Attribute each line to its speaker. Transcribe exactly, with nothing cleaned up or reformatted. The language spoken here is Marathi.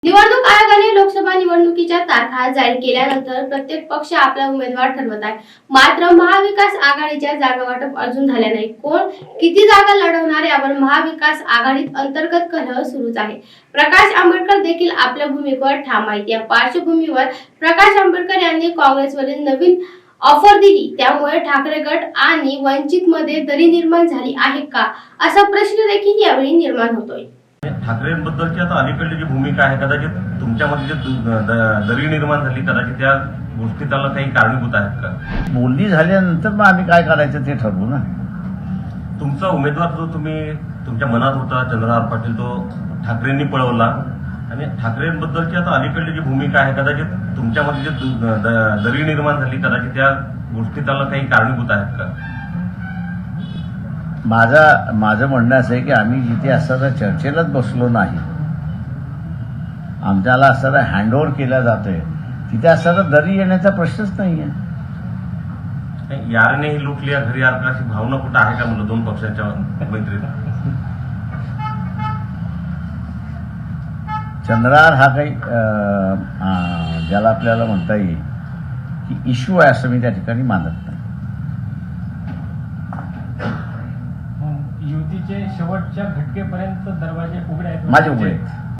Speaker 1: निवडणूक आयोगाने लोकसभा निवडणुकीच्या तारखा जाहीर केल्यानंतर प्रत्येक पक्ष आपला उमेदवार ठरवत आहे. मात्र महाविकास आघाडीच्या जागा वाटप अजून झाल्या नाही. कोण किती जागा लढवणार यावर महाविकास आघाडीत अंतर्गत कलह सुरूच आहे. प्रकाश आंबेडकर देखील आपल्या भूमिकेवर ठाम आहेत. या पार्श्वभूमीवर प्रकाश आंबेडकर यांनी काँग्रेसवरील नवीन ऑफर दिली, त्यामुळे ठाकरे गट आणि वंचित मध्ये दरी निर्माण झाली आहे का, असा प्रश्न देखील यावेळी निर्माण होतोय.
Speaker 2: ठाकरेंबद्दलची आता अलीकडली जी भूमिका आहे, कदाचित तुमच्यामध्ये जे दरी निर्माण झाली, कदाचित त्या गोष्टी त्याला काही कारणीभूत आहेत का?
Speaker 3: बोलणी झाल्यानंतर मग आम्ही काय करायचं ते ठरवू ना.
Speaker 2: तुमचा उमेदवार जो तुम्ही तुमच्या मनात होता चंद्रहार पाटील, तो ठाकरेंनी पळवला आणि ठाकरेंबद्दलची आता अलीकडली जी भूमिका आहे, कदाचित तुमच्यामध्ये जे दरी निर्माण झाली, कदाचित त्या गोष्टी त्याला काही कारणीभूत आहेत का?
Speaker 3: माझा माझं म्हणणं असं आहे की आम्ही जिथे असताना चर्चेलाच बसलो नाही, आमच्याला असताना हँडओव्हर केला जातोय, तिथे असताना दरी येण्याचा प्रश्नच नाहीये.
Speaker 2: यारने ही लुटली घरी यार अशी भावना कुठं आहे का म्हणलं दोन पक्षांच्या मैत्रीत?
Speaker 3: चंद्रहार हा काही ज्याला आपल्याला म्हणता येईल की इश्यू आहे असं मी त्या ठिकाणी मानत नाही.
Speaker 4: युतीचे शेवटच्या घटकेपर्यंत दरवाजे उघडे आहेत.
Speaker 3: माझे उघडे आहेत.